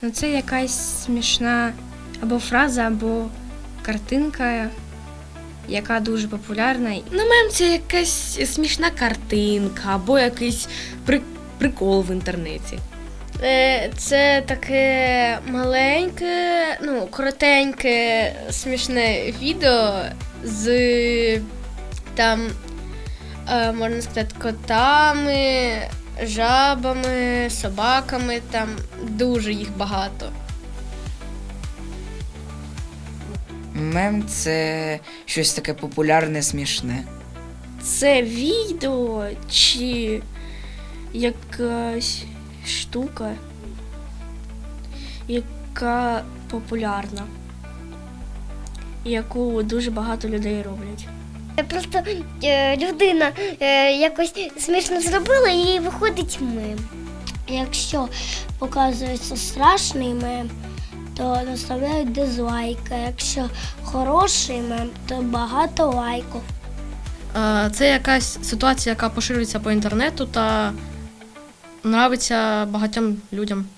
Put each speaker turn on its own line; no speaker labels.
Ну, це якась смішна або фраза, або картинка, яка дуже популярна.
Ну, мем – це якась смішна картинка або якийсь прикол в інтернеті.
Це таке маленьке, коротеньке, смішне відео з там, можна сказати, котами, жабами, собаками, там дуже їх багато.
Мем – це щось таке популярне, смішне.
Це відео чи якась штука, яка популярна, яку дуже багато людей роблять.
Просто людина якось смішно зробила і виходить мем. Якщо показується страшний мем, то наставляють дизлайк, а якщо хороший мем, то багато лайків.
Це якась ситуація, яка поширюється по інтернету та нравиться багатьом людям.